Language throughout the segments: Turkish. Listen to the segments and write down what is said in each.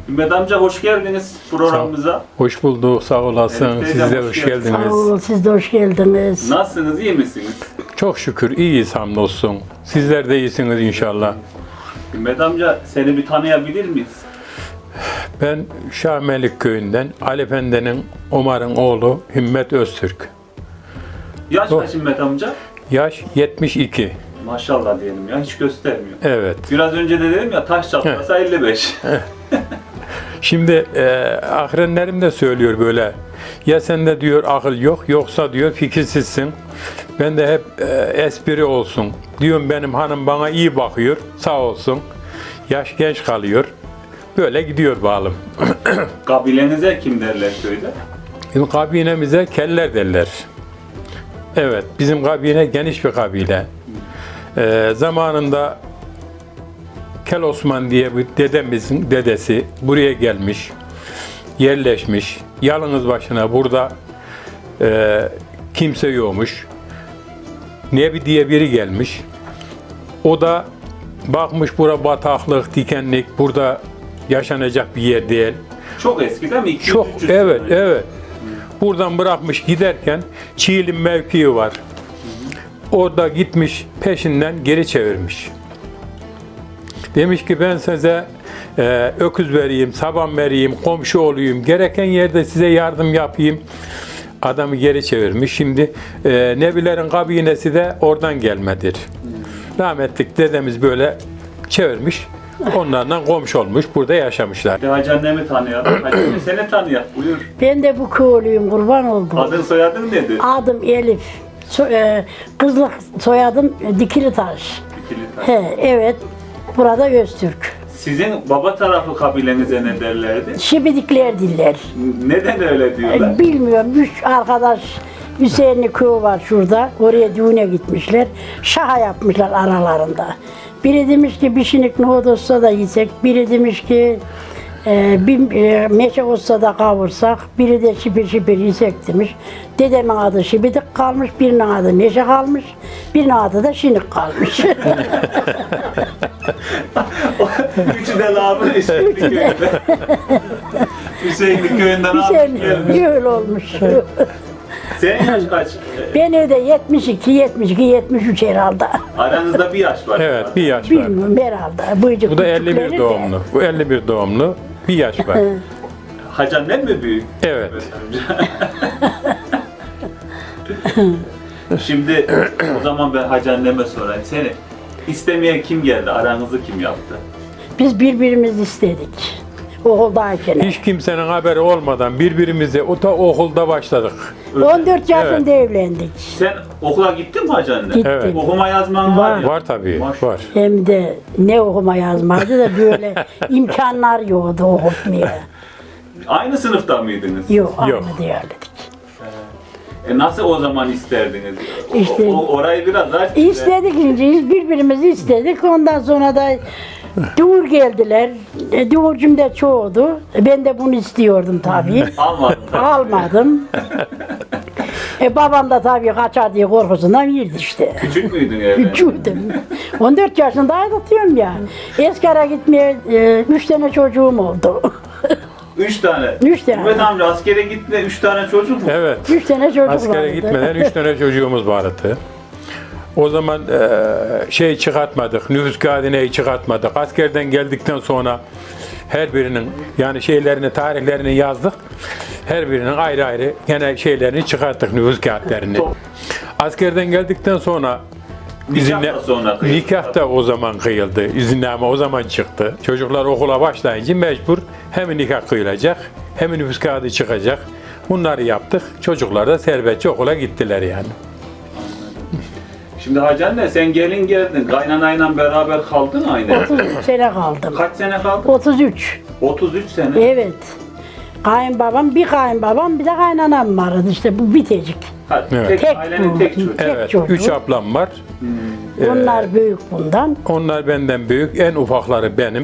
Ümmet amca hoş geldiniz programımıza. Hoş bulduk, sağ olasın. Evet, Siz teyzem, de hoş hoş geldiniz. geldiniz. Sağ olun, siz de hoş geldiniz. Nasılsınız, iyi misiniz? Çok şükür iyiyiz hamdolsun. Sizler de iyisiniz inşallah. Ümmet amca seni bir tanıyabilir miyiz? Ben Şahmelik köyünden Ali Efendi'nin Omar'ın oğlu Himmet Öztürk. Yaş kaç Ümmet amca? Yaş 72. Maşallah diyelim ya, hiç göstermiyor. Evet. Biraz önce de dedim ya, taş çatlasa 55. Şimdi ahrenlerim de söylüyor böyle. Ya sende diyor akıl yok, yoksa diyor fikirsizsin. Ben de hep espri olsun. Diyorum benim hanım bana iyi bakıyor, sağ olsun. Yaş genç kalıyor. Böyle gidiyor bağlım. Kabilenize kim derler köyde? Bizim kabinemize keller derler. Evet, bizim kabine geniş bir kabile. Zamanında Kel Osman diye bir dedemizin dedesi buraya gelmiş, yerleşmiş. Yalnız başına burada kimse yokmuş. Nebi diye biri gelmiş. O da bakmış bura bataklık, dikenlik, burada yaşanacak bir yer değil. Çok eski değil mi? 200, Çok, 300 evet, sene. evet. Buradan bırakmış giderken Çiğli mevkii var. Orada gitmiş peşinden geri çevirmiş. Demiş ki ben size öküz vereyim, saban vereyim, komşu olayım, gereken yerde size yardım yapayım. Adamı geri çevirmiş. Şimdi Nebilerin kabinesi de oradan gelmedir. Rahmetlik dedemiz böyle çevirmiş. Onlarla komşu olmuş, burada yaşamışlar. Bir de Hacı annemi tanıyalım. Hacı anne seni tanıyalım. Buyur. Ben de bu köylüyüm, kurban oldum. Adın soyadın nedir? Adım Elif. Kızlık soyadım Dikilitaş. İkili taş. Evet, burada Öztürk. Sizin baba tarafı kabilenize ne derlerdi? Şibidikler diller. Neden öyle diyorlar? Bilmiyorum, 3 arkadaş Hüseyinli köyü var şurada. Oraya düğüne gitmişler. Şaha yapmışlar aralarında. Biri demiş ki bir şinik nohut olsa da yesek. Biri demiş ki meşe olsa da kavursak. Biri de şipir şipir yesek demiş. Dedemin adı şibidik kalmış, birinin adı meşe kalmış. Birinin adı da şinik kalmış. Üçü de lağımın Hüseyinli köyünde. Hüseyinli köyünden almış gelmiş. Hüseyin öyle olmuş. Senin yaş kaç? Ben de 72, 73 herhalde. Aranızda bir yaş var. Evet, bir yaş var. Bilmiyorum herhalde. Bıyıcık Bu da küçükleri 51 de. doğumlu. Bu 51 doğumlu. Bir yaş var. Hacı annem mi büyük? Evet. Şimdi o zaman ben Hacı anneme sorayım. Seni istemeye kim geldi? Aranızı kim yaptı? Biz birbirimizi istedik. Okuldayken. Hiç kimsenin haberi olmadan birbirimize okulda başladık. 14 yaşında evlendik. Sen okula gittin mi Hacı anne? Gittik. Evet. Okuma yazman var ya. Var tabii, Maşallah. var. Hem de ne okuma yazmaydı da böyle imkanlar yoktu okutmaya. Aynı sınıfta mıydınız? Yok, aynı Yok. değerledik. Nasıl o zaman isterdiniz? İşte- Orayı biraz aç. İstedik ince, birbirimizi istedik. Ondan sonra da Dur geldiler. Doğurcum da çoğudu. Ben de bunu istiyordum tabii. Almadın. Almadım. Babam da tabii kaçar diye korkusundan yirdi işte. Küçük müydün yani? Küçüğüydüm. 14 yaşındaydım diyorum ya. Eskara gitmeye 3 tane çocuğum oldu. 3 tane. 3 tane. Mehmet amca askere gitme 3 tane çocuk mu? Evet. 3 tane çocuk vardı. Askere gitmeden 3 tane çocuğumuz vardı. O zaman şey çıkartmadık, nüfus kağıdını çıkartmadık. Askerden geldikten sonra her birinin yani şeylerini, tarihlerini yazdık. Her birinin ayrı ayrı gene şeylerini çıkarttık, nüfus kağıtlarını. Askerden geldikten sonra Nikah da sonra kıyıldı. nikah da o zaman kıyıldı. İzinname o zaman çıktı. Çocuklar okula başlayınca mecbur hem nikah kıyılacak hem nüfus kağıdı çıkacak. Bunları yaptık. Çocuklar da serbestçe okula gittiler yani. Şimdi Hacı anne sen gelin geldin. Kaynanayla beraber kaldın aynı. 33 sene kaldım. Kaç sene kaldın? 33. 33 sene. Evet. Kayınbabam, bir kayınbabam, bir de kaynanam vardı. İşte bu bitecik. Ha, Evet. tek, Tek ailenin bu. tek çocuğu. Tek Evet, çocuk. 3 ablam var. Onlar büyük bundan. Onlar benden büyük. En ufakları benim.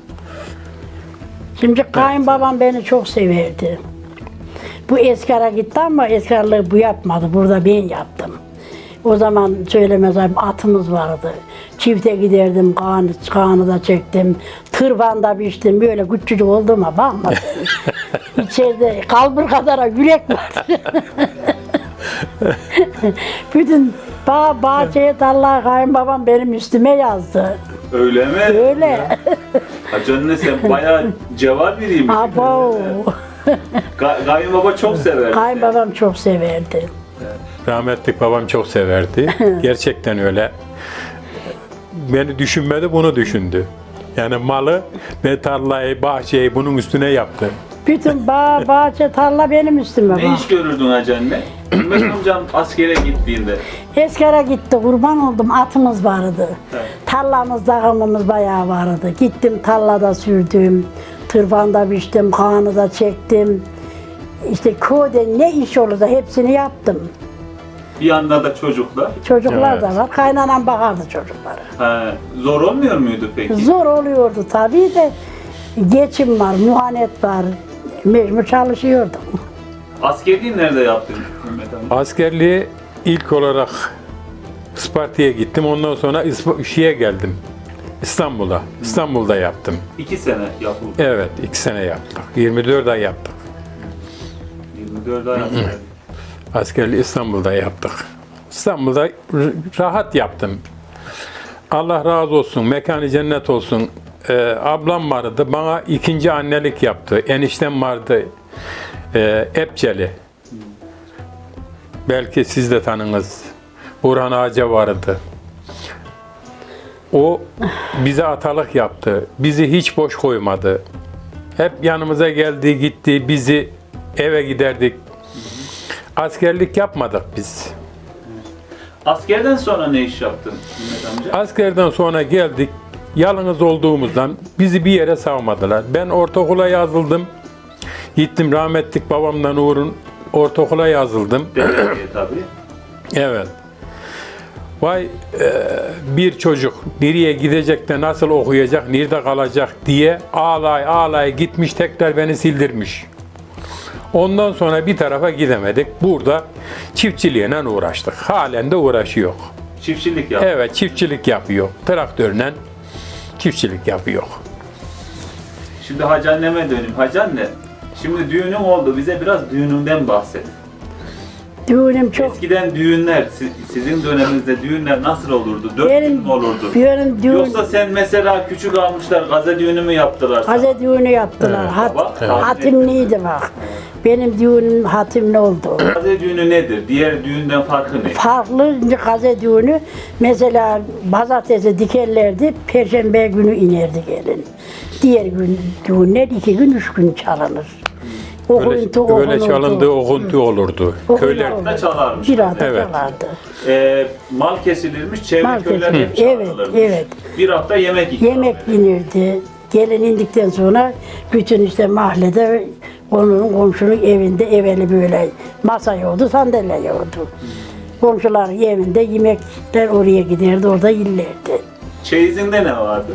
Şimdi kayınbabam beni çok severdi. Bu eskara gitti ama eskarlığı bu yapmadı. Burada ben yaptım. O zaman söylemez abi atımız vardı. Çifte giderdim, kanı da çektim. Tırvanda biçtim, böyle küçücük olduğuma bakma. İçeride kalbur kadar yürek var. Bütün bahçeye tarlaya kayınbabam benim üstüme yazdı. Öyle mi? Öyle. Hacı anne sen bayağı cevap biriymiş. Abo. Kayınbaba çok sever. Kayınbabam çok severdi. Rahmetli babam çok severdi. Gerçekten öyle. Beni düşünmedi, bunu düşündü. Yani malı ve tarlayı, bahçeyi bunun üstüne yaptı. Bütün bahçe tarla benim üstüme Ne bak. iş görürdün Hacı anne? Mehmet amcam askere gittiğinde. Eskere gitti, kurban oldum, atımız vardı. Evet. Tarlamız, dağımımız bayağı vardı. Gittim tarlada sürdüm, tırvanda biçtim, kanı da çektim. İşte köyde ne iş olursa hepsini yaptım. Bir yanda da çocuklar. Çocuklar Evet. da var, kaynanan bakardı çocuklara. Ha, zor olmuyor muydu peki? Zor oluyordu tabii de, geçim var, muhanet var, mecbur çalışıyordum. Askerliği nerede yaptın Mehmet amca? Askerliği ilk olarak Isparta'ya gittim. Ondan sonra şeye geldim. İstanbul'a. İstanbul'da yaptım. 2 sene yapıldı. Evet, 2 sene yaptık. 24 ay yaptık. 24 ay askerlik. Askerliği İstanbul'da yaptık. İstanbul'da rahat yaptım. Allah razı olsun, mekanı cennet olsun. Ablam vardı, bana ikinci annelik yaptı. Eniştem vardı, Epçeli. Belki siz de tanınız. Burhan Ağaca vardı. O bize atalık yaptı. Bizi hiç boş koymadı. Hep yanımıza geldi, gitti. Bizi eve giderdik. Askerlik yapmadık biz. Askerden sonra ne iş yaptın Mehmet amca? Askerden sonra geldik. Yalnız olduğumuzdan bizi bir yere savmadılar. Ben ortaokula yazıldım. Gittim rahmetlik babamdan uğrun ortaokula yazıldım. Devletiye tabii. Evet. Vay bir çocuk nereye gidecek de nasıl okuyacak, nerede kalacak diye ağlay gitmiş, tekrar beni sildirmiş. Ondan sonra bir tarafa gidemedik. Burada çiftçiliğine uğraştık. Halen de uğraşıyor. Çiftçilik yaptın. Evet, çiftçilik yapıyor. Traktörle çiftçilik yapıyor. Şimdi Hacı anneme döneyim. Hacı anne, şimdi düğünün oldu. Bize biraz düğününden bahset. Düğünüm çok. Eskiden düğünler, sizin döneminizde düğünler nasıl olurdu? 4 gün mü olurdu? Benim düğün, Yoksa sen mesela küçük almışlar, gaze düğünü mü yaptılar sana? gaze düğünü yaptılar. Evet, baba. Evet. Hatimliydi bak. Benim düğünüm hatimli oldu. Gaze düğünü nedir? Diğer düğünden farkı ne? Farklı gaze düğünü, mesela pazartesi dikerlerdi, perşembe günü inerdi gelin. Diğer gün düğünler 2 gün 3 gün çalınır. Öyle çalındı, okuntu olurdu. Köylerde Da çalarmış. Bir arada Evet. çalardı. Mal kesilirmiş, çevre Mal köyler hep kesilirmiş. Evet, çağrılırmış. evet. Bir hafta yemek ikram Yemek edilir. yenirdi. Gelin indikten sonra bütün işte mahallede komşunun evinde evveli böyle masa yoktu, sandalye yoktu. Komşuların evinde yemekler oraya giderdi, orada yerlerdi. Çeyizinde ne vardı?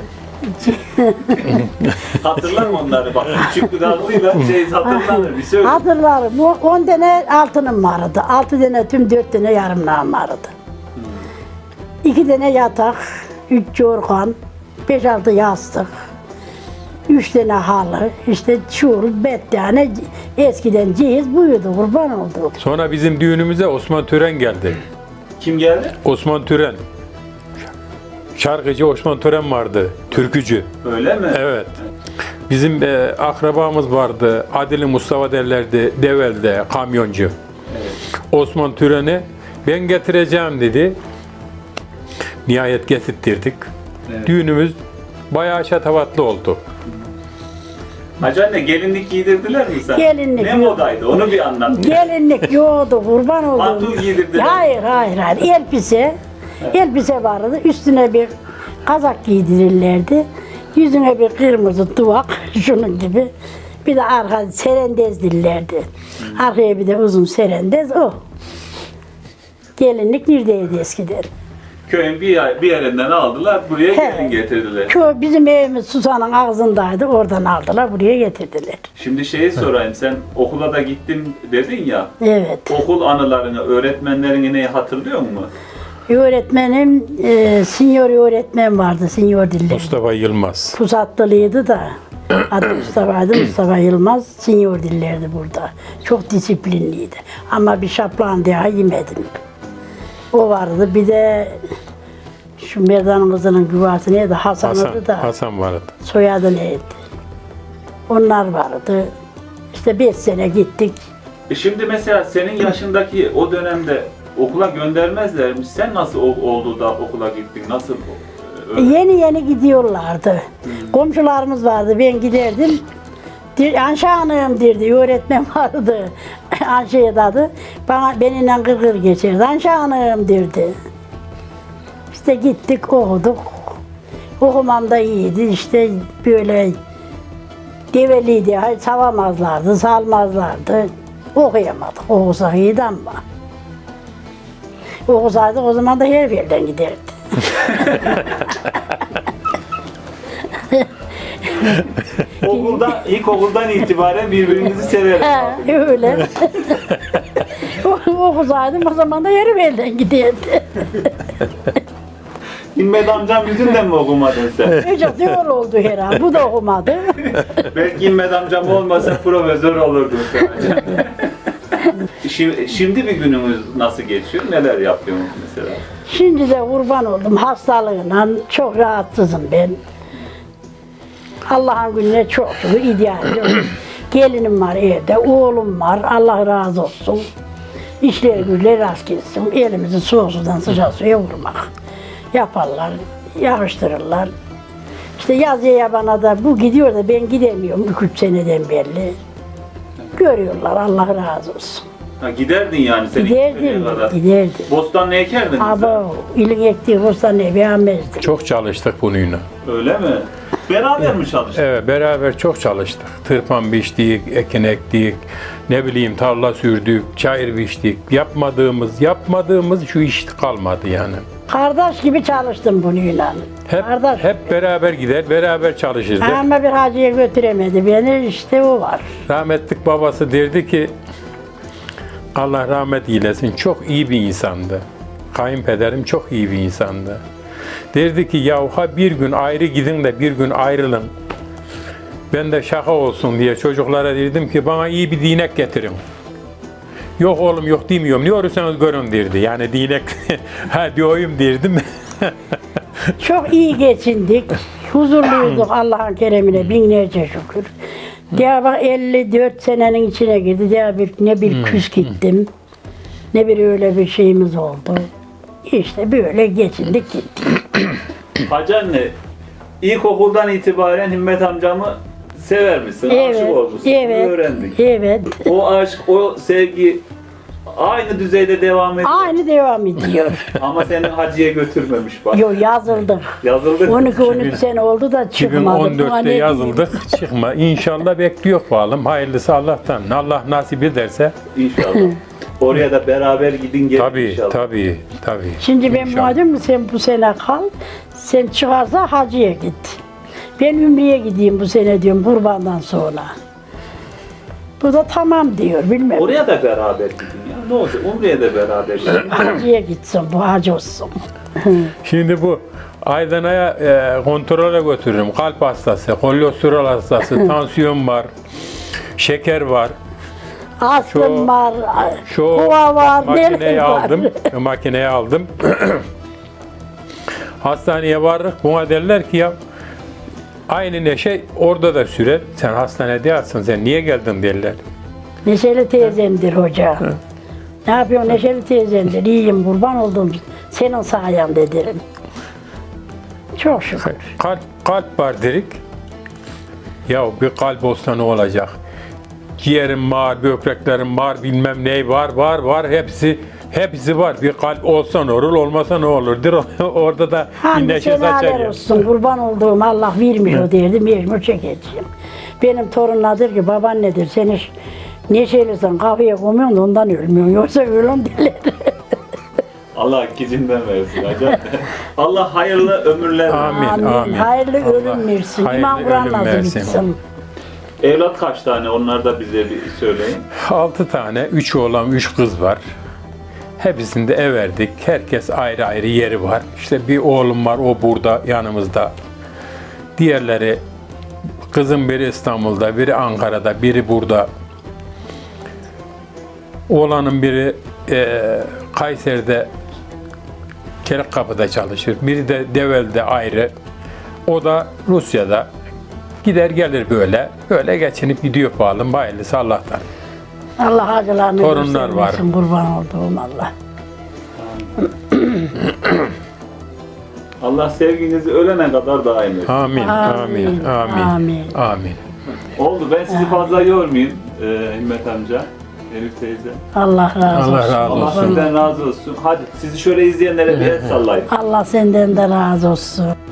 Hatırlar mı onları? Bak küçük bir dalgıyla çeyiz hatırlanır. Bir söyle. Hatırlarım. 10 tane altınım vardı. 6 tane tüm 4 tane yarımlağım vardı. 2 tane yatak, 3 yorgan, 5-6 yastık, 3 tane halı, işte çul, bettane, eskiden cehiz buydu, kurban oldu. Sonra bizim düğünümüze Osman Tören geldi. Kim geldi? Osman Tören. Şarkıcı Osman Tören vardı. Türkücü. Öyle mi? Evet. Bizim akrabamız vardı. Adili Mustafa derlerdi. Devel'de kamyoncu. Evet. Osman Tören'i ben getireceğim dedi. Nihayet getirttirdik. Evet. Düğünümüz bayağı şatafatlı oldu. Hacı anne gelinlik giydirdiler mi sen? Gelinlik Ne yok. modaydı? Onu bir anlat. Gelinlik yoktu, kurban oldu. Mantul giydirdiler. Hayır. Elbise vardı, üstüne bir kazak giydirirlerdi. Yüzüne bir kırmızı duvak, şunun gibi. Bir de arka serendez dillerdi. Arkaya bir de uzun serendez, o. Gelinlik neredeydi eskiden? Köyün bir yerinden aldılar, buraya gelin Evet. getirdiler. Köy bizim evimiz Susan'ın ağzındaydı, oradan aldılar, buraya getirdiler. Şimdi şeyi sorayım, sen okula da gittim dedin ya, Evet. okul anılarını, öğretmenlerini hatırlıyor musun? Öğretmenim, senior öğretmen vardı, senior diller. Mustafa Yılmaz. Pusatlılıydı da. Adı Mustafa'ydı, Mustafa Yılmaz. Senior dillerdi burada. Çok disiplinliydi. Ama bir şaplan daha yemedim. O vardı. Bir de şu Merdan'ımızın güvası neydi? Hasan'ıydı da. Hasan vardı. Soyadı neydi? Onlar vardı. İşte 5 sene gittik. Şimdi mesela senin yaşındaki o dönemde okula göndermezlermiş. Sen nasıl oldu da okula gittin? Nasıl? Yeni yeni gidiyorlardı. Komşularımız vardı. Ben giderdim. Anşe Hanım derdi. Öğretmen vardı. Anşe'ye adı. Benimle gırgır geçerdi. Anşe Hanım derdi. İşte gittik okuduk. Okumam da iyiydi. İşte böyle develiydi. Hayır, savamazlardı, salmazlardı. Okuyamadık. Okusak iyiydi ama. Okusaydık o zaman da her yerden giderdi. İlkokuldan itibaren birbirinizi severiz. Öyle. Okusaydım o zaman da yarım elden giderdi. İlmet amcam yüzünden mi okumadın sen? Önce diyor oldu herhalde. Bu da okumadı. Belki İlmet amcam olmasa profesör olurdun sen. Şimdi bir günümüz nasıl geçiyor? Neler yapıyorsunuz mesela? Şimdi de kurban oldum hastalığına. Çok rahatsızım ben. Allah'ın gününe çok şükür idealim. Gelinim var evde, oğlum var. Allah razı olsun. İşleri güçleri rast gitsin. Elimizi soğuk sudan sıcak suya vurmak. Yaparlar, yakıştırırlar. İşte yazıya yabana da bu gidiyor da ben gidemiyorum 2-3 seneden belli. Görüyorlar, Allah razı olsun. Ha, giderdin yani sen Giderdim, giderdim. Bostan ne ekerdin? Aba, ilin ektiği bostan ne beğenmezdim. Çok çalıştık bununla. Öyle mi? Beraber mi çalıştın? Evet, beraber çok çalıştık. Tırpan biçtik, ekin ektik, ne bileyim tarla sürdük, çayır biçtik. Yapmadığımız şu iş kalmadı yani. Kardeş gibi çalıştım bununla. Kardeş. Hep beraber gider, beraber çalışırdık. Ama bir hacıya götüremedi beni, işte o var. Rahmetlik babası derdi ki, Allah rahmet eylesin, çok iyi bir insandı. Kayınpederim çok iyi bir insandı. Derdi ki ya bir gün ayrı gidin de bir gün ayrılın. Ben de şaka olsun diye çocuklara dedim ki bana iyi bir dinek getirin. Yok oğlum yok demiyorum. Ne olursanız görün derdi. Yani dinek ha diyorum derdim. Çok iyi geçindik. Huzurluyduk Allah'ın keremine binlerce şükür. Diye bak 54 senenin içine girdi. Diye ne bir küs gittim. Ne bir öyle bir şeyimiz oldu. İşte böyle geçindik gittik. Hacı anne, ilkokuldan itibaren Himmet amcamı sever misin? Aşık olmuşsun. Evet, Öğrendik. evet. O aşk, o sevgi aynı düzeyde devam ediyor. Aynı devam ediyor. Ama seni hacıya götürmemiş bak. Yo yazıldık. Yazıldık. 12-13 sene oldu da çıkmadık. 2014'te yazıldık. Çıkma. İnşallah bekliyor bakalım. Hayırlısı Allah'tan. Allah nasip ederse. İnşallah. Oraya da beraber gidin gelin inşallah. Tabii. Şimdi ben İnşallah. madem sen bu sene kal, sen çıkarsa hacıya git. Ben Ümre'ye gideyim bu sene diyorum kurbandan sonra. Bu da tamam diyor bilmem. Oraya da beraber gidin ya. Ne olacak? Umre'ye de beraber gidin. Hacıya gitsin bu hacı olsun. Şimdi bu Aydana'ya kontrole götürürüm. Kalp hastası, kolesterol hastası, tansiyon var, şeker var. Astım var, Şu kova var, makineyi neler var. makineyi aldım. Hastaneye vardık. Buna derler ki ya aynı neşe orada da sürer. Sen hastanede yatsın. Sen niye geldin derler. Neşeli teyzemdir hoca. Ne yapıyorsun Neşeli teyzemdir, iyiyim kurban oldum. Senin sayende derim. Çok şükür. Kalp var dedik. Ya bir kalp olsa ne olacak? Ciğerim var, böbreklerim var, bilmem ne var. Hepsi var. Bir kalp olsa ne olur, olmasa ne olurdur. Orada da bir Hamdi neşe saçar senaler ya. olsun, kurban olduğum Allah vermiyor derdim, mecbur çekeceğim. Benim torunlar der ki, babaannedir, sen hiç neşelisin, kafaya koymuyorsun da ondan ölmüyorsun, yoksa ölüm derler. Allah gecinden versin hacı. Allah hayırlı ömürler versin. Amin. Hayırlı Allah ölüm versin, hayırlı İmam Kur'an ölüm nasıl versin. bitsin. Evlat kaç tane? Onlar da bize bir söyleyin. 6 tane, 3 oğlan, 3 kız var. Hepsini de everdik. Herkes ayrı ayrı yeri var. İşte bir oğlum var, o burada yanımızda. Diğerleri, kızım biri İstanbul'da, biri Ankara'da, biri burada. Oğlanın biri Kayseri'de Çelikkapı'da çalışır. Biri de Develi'de ayrı. O da Rusya'da. Gider gelir böyle. Böyle geçinip gidiyor pahalım. Hayırlısı Allah'tan. Allah acılarını Torunlar var. göstermesin, kurban olduğum Allah. Allah sevginizi ölene kadar daim etsin. Amin, amin, amin, Amin. amin. Oldu. Ben sizi fazla yormayayım Himmet amca, Elif teyze. Allah razı Allah olsun. razı Allah olsun. sizden razı olsun. Hadi sizi şöyle izleyenlere bir el sallayın. Allah senden de razı olsun.